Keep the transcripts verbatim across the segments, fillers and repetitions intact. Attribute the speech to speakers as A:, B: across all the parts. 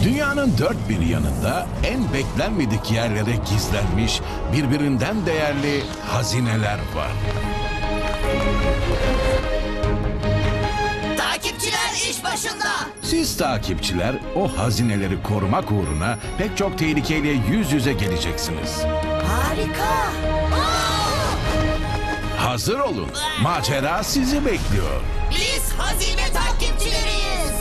A: Dünyanın dört bir yanında en beklenmedik yerlere gizlenmiş birbirinden değerli hazineler var.
B: Takipçiler iş başında.
A: Siz takipçiler o hazineleri korumak uğruna pek çok tehlikeyle yüz yüze geleceksiniz.
B: Harika.
A: Hazır olun. Macera sizi bekliyor.
B: Biz hazine takipçileriyiz.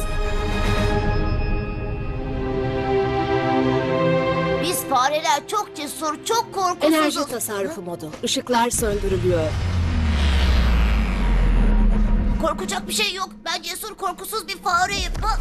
B: Biz fareler çok cesur, çok korkusuzuz.
C: Enerji tasarrufu modu. Işıklar söndürülüyor.
B: Korkacak bir şey yok. Ben cesur, korkusuz bir fareyim. Ha?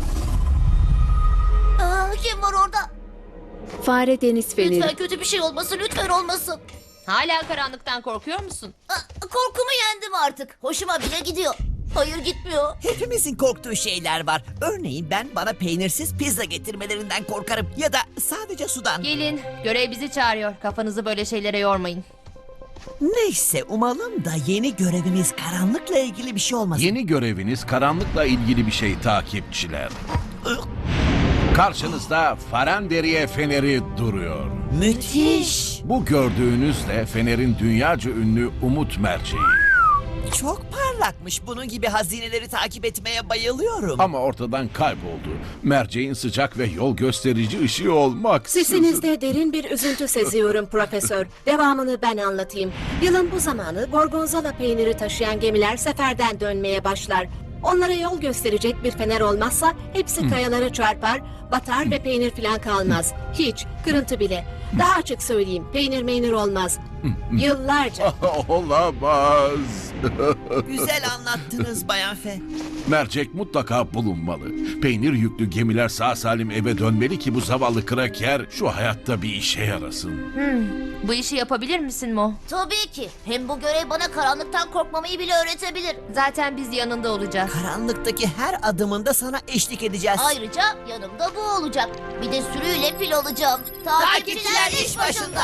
B: Aa, kim var orada?
C: Fare deniz feneri.
B: Lütfen kötü bir şey olmasın, lütfen olmasın.
D: Hala karanlıktan korkuyor musun?
B: Aa, korkumu yendim artık. Hoşuma bile gidiyor. Hayır, gitmiyor.
E: Hepimizin korktuğu şeyler var. Örneğin ben bana peynirsiz pizza getirmelerinden korkarım. Ya da sadece sudan.
D: Gelin, görev bizi çağırıyor. Kafanızı böyle şeylere yormayın.
E: Neyse umalım da yeni görevimiz karanlıkla ilgili bir şey olmasın.
A: Yeni göreviniz karanlıkla ilgili bir şey takipçiler. Karşınızda Faranderiye Feneri duruyor.
E: Müthiş.
A: Bu gördüğünüz de Fener'in dünyaca ünlü Umut Merceği.
E: Çok parlakmış. Bunun gibi hazineleri takip etmeye bayılıyorum.
A: Ama ortadan kayboldu. Merceğin sıcak ve yol gösterici ışığı olmak.
C: Sesinizde derin bir üzüntü seziyorum profesör. Devamını ben anlatayım. Yılın bu zamanı gorgonzola peyniri taşıyan gemiler seferden dönmeye başlar. Onlara yol gösterecek bir fener olmazsa hepsi kayalara çarpar, batar ve peynir falan kalmaz. Hiç, kırıntı bile. Daha açık söyleyeyim, peynir meynir olmaz. Yıllarca.
A: Olamaz.
E: Güzel anlattınız Bayan Fe.
A: Mercek mutlaka bulunmalı. Peynir yüklü gemiler sağ salim eve dönmeli ki bu zavallı kraker şu hayatta bir işe yarasın.
D: Bu işi yapabilir misin Mo?
B: Tabii ki. Hem bu görev bana karanlıktan korkmamayı bile öğretebilir.
D: Zaten biz yanında olacağız.
E: Karanlıktaki her adımında sana eşlik edeceğiz.
B: Ayrıca yanımda bu olacak. Bir de sürüyle fil alacağım. Takipçiler iş başında.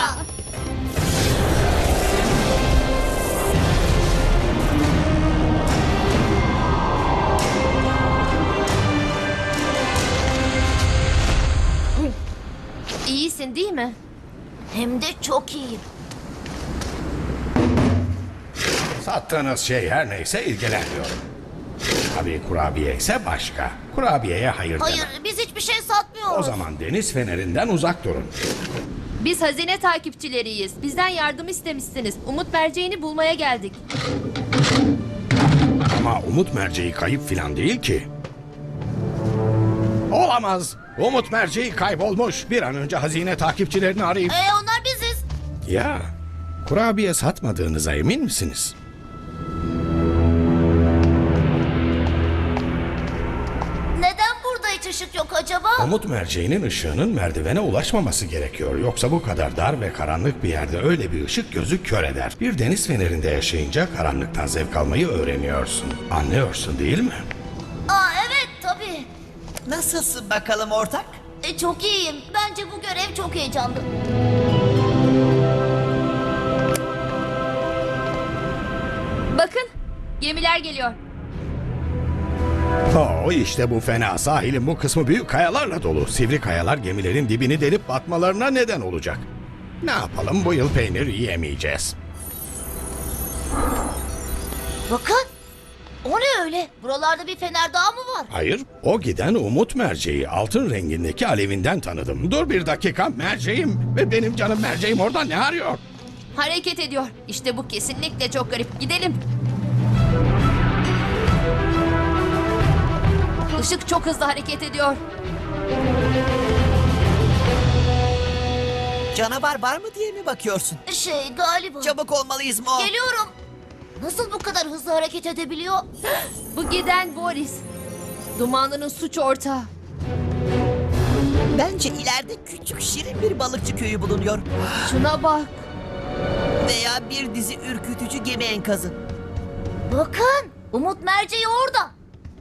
D: İyisin değil mi?
B: Hem de çok iyiyim.
F: Sattığınız şey her neyse ilgilenmiyorum. Tabii kurabiye ise başka. Kurabiyeye hayır,
B: Hayır,
F: demem.
B: biz hiçbir şey satmıyoruz.
F: O zaman deniz fenerinden uzak durun.
D: Biz hazine takipçileriyiz. Bizden yardım istemişsiniz. Umut merceğini bulmaya geldik.
F: Ama Umut merceği kayıp filan değil ki. Olamaz. Umut merceği kaybolmuş. Bir an önce hazine takipçilerini arayıp...
B: Ee, onlar biziz.
F: Ya, kurabiye satmadığınıza emin misiniz?
B: Neden burada hiç ışık yok acaba?
F: Umut merceğinin ışığının merdivene ulaşmaması gerekiyor. Yoksa bu kadar dar ve karanlık bir yerde öyle bir ışık gözü kör eder. Bir deniz fenerinde yaşayınca karanlıktan zevk almayı öğreniyorsun. Anlıyorsun değil mi?
B: Aa, evet tabii.
E: Nasılsın bakalım ortak?
B: E, çok iyiyim. Bence bu görev çok heyecanlı.
D: Bakın, gemiler geliyor.
F: Oo, işte bu fena. Sahilin bu kısmı büyük kayalarla dolu. Sivri kayalar gemilerin dibini delip batmalarına neden olacak. Ne yapalım, bu yıl peynir yiyemeyeceğiz.
B: Bakın. O ne öyle? Buralarda bir fener daha mı var?
F: Hayır, o giden Umut merceği. Altın rengindeki alevinden tanıdım. Dur bir dakika, merceğim. Ve benim canım merceğim orada ne arıyor?
D: Hareket ediyor. İşte bu kesinlikle çok garip. Gidelim. Işık çok hızlı hareket ediyor.
E: Canavar var mı diye mi bakıyorsun?
B: Şey, galiba.
E: Çabuk olmalıyız Mo.
B: Geliyorum. Nasıl bu kadar hızlı hareket edebiliyor?
D: Bu giden Boris. Dumanlı'nın suç ortağı.
E: Bence ileride küçük şirin bir balıkçı köyü bulunuyor.
D: Şuna bak.
E: Veya bir dizi ürkütücü gemi enkazı.
B: Bakın. Umut merceği orada.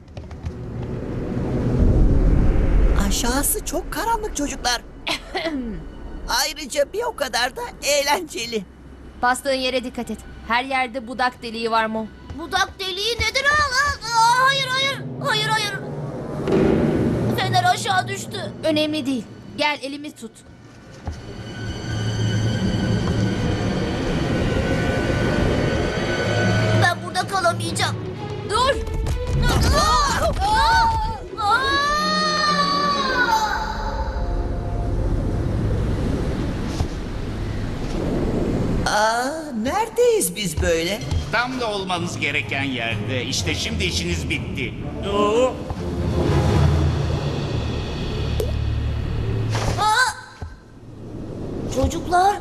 E: Aşağısı çok karanlık çocuklar. Ayrıca bir o kadar da eğlenceli.
D: Bastığın yere dikkat et. Her yerde budak deliği var Mo.
B: Budak deliği nedir? Aa, aa, aa, hayır hayır. Hayır hayır. Fener aşağı düştü.
D: Önemli değil. Gel elimi tut.
B: Ben burada kalamayacağım.
D: Dur.
B: Aa! Aa! Aa!
E: Aa, neredeyiz biz böyle?
G: Tam da olmanız gereken yerde. İşte şimdi işiniz bitti. Oo.
B: Çocuklar.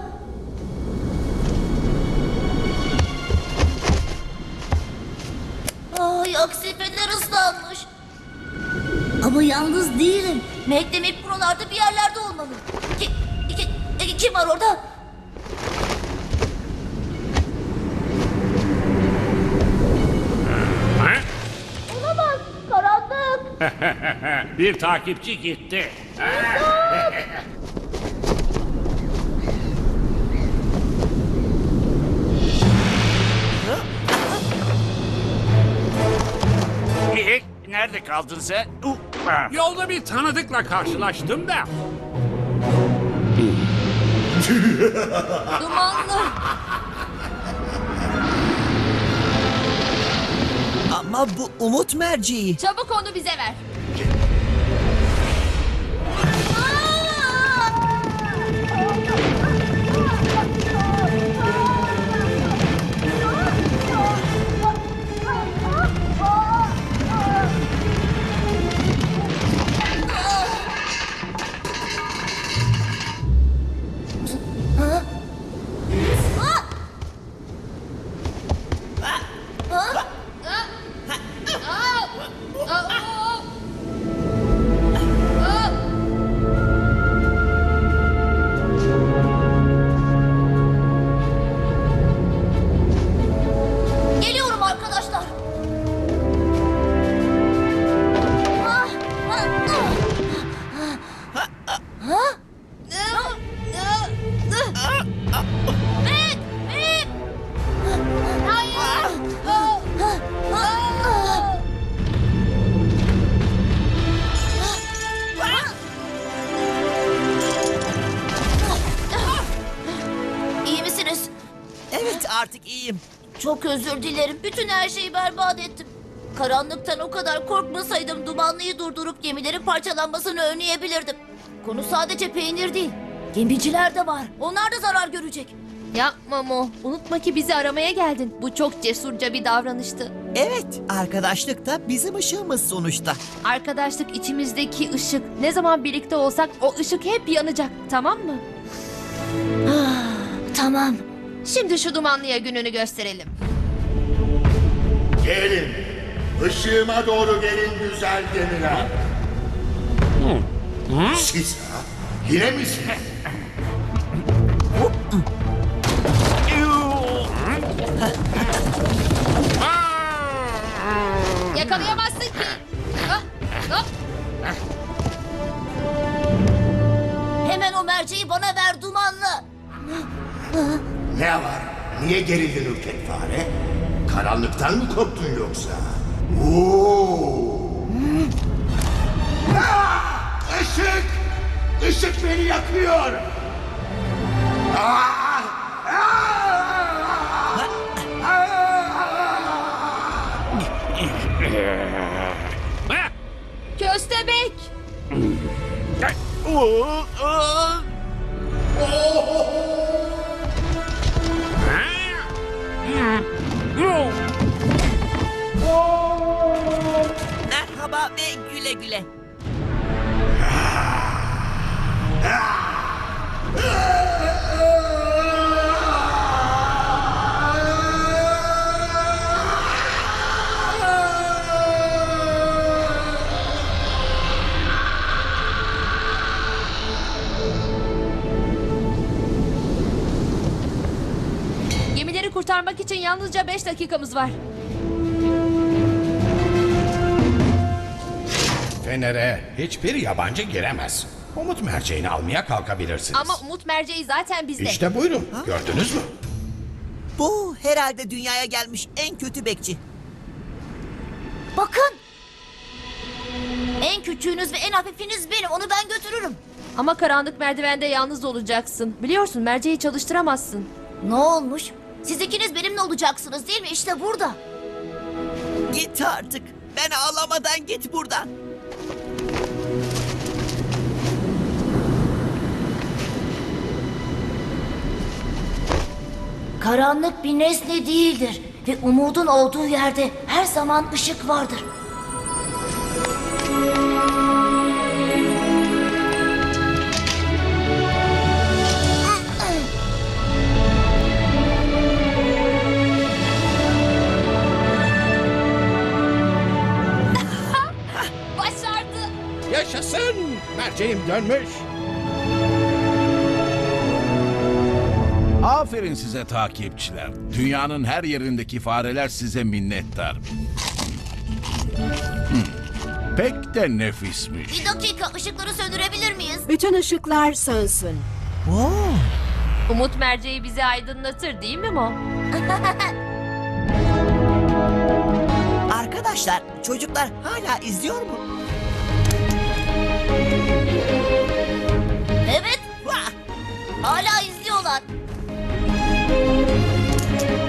B: Ay aksi fener ıslanmış. Ama yalnız değilim. Mac demek buralarda bir yerlerde olmalı. Ki, ki, ki- kim var orada? Olamaz. Karanlık.
G: Bir takipçi gitti. Ee, Nerede kaldın sen? Uh, ah.
H: Yolda bir tanıdıkla karşılaştım da.
D: Dumanlı.
E: Ama bu umut merceği.
D: Çabuk onu bize ver.
B: Geliyorum arkadaşlar. Ah, ah, ah. Ha? Mac, Mac. Hayır. İyi misiniz?
E: Evet, artık iyiyim.
B: Çok özür dilerim. Bütün her şeyi berbat ettim. Karanlıktan o kadar korkmasaydım dumanlıyı durdurup gemilerin parçalanmasını önleyebilirdim. Konu sadece peynir değil. Gemiciler de var. Onlar da zarar görecek.
D: Yapma Mo. Unutma ki bizi aramaya geldin. Bu çok cesurca bir davranıştı.
E: Evet, arkadaşlık da bizim ışığımız sonuçta.
D: Arkadaşlık içimizdeki ışık. Ne zaman birlikte olsak o ışık hep yanacak. Tamam mı?
B: Tamam.
D: Şimdi şu dumanlıya gününü gösterelim.
I: Gelin. Işığıma doğru gelin güzel gemiler. Siz ha? Yine misiniz?
D: Yakalayamazsın ki. Ah, hop.
B: Hemen o merceği bana ver dumanlı.
I: Ne var? Niye gerildin ürkek fare? Karanlıktan mı korktun yoksa? Oo! Ah! Işık! Işık beni yakıyor! Ah! Ah!
G: Ah!
D: Köstebek.
G: Oo, oo.
E: Merhaba ve güle güle.
D: Gemileri kurtarmak için yalnızca beş dakikamız var.
F: Fener'e hiçbir yabancı giremez. Umut merceğini almaya kalkabilirsiniz.
D: Ama Umut merceği zaten bizde.
F: İşte buyurun. Gördünüz mü?
E: Bu herhalde dünyaya gelmiş en kötü bekçi.
B: Bakın. En küçüğünüz ve en hafifiniz benim. Onu ben götürürüm.
D: Ama karanlık merdivende yalnız olacaksın. Biliyorsun merceği çalıştıramazsın.
B: Ne olmuş? Siz ikiniz benimle olacaksınız değil mi? İşte burada.
E: Git artık. Ben ağlamadan git buradan.
B: Karanlık bir nesne değildir. Ve umudun olduğu yerde her zaman ışık vardır.
D: Başardı.
F: Yaşasın! Merceğim dönmüş.
A: Aferin size takipçiler. Dünyanın her yerindeki fareler size minnettar. Hmm, Pek de nefismiş.
B: Bir dakika, ışıkları söndürebilir miyiz?
C: Bütün ışıklar sönsün.
D: Umut merceği bizi aydınlatır değil mi Mo?
E: Arkadaşlar, çocuklar hala izliyor mu?
B: Evet,
E: Vah!
B: hala izliyorlar.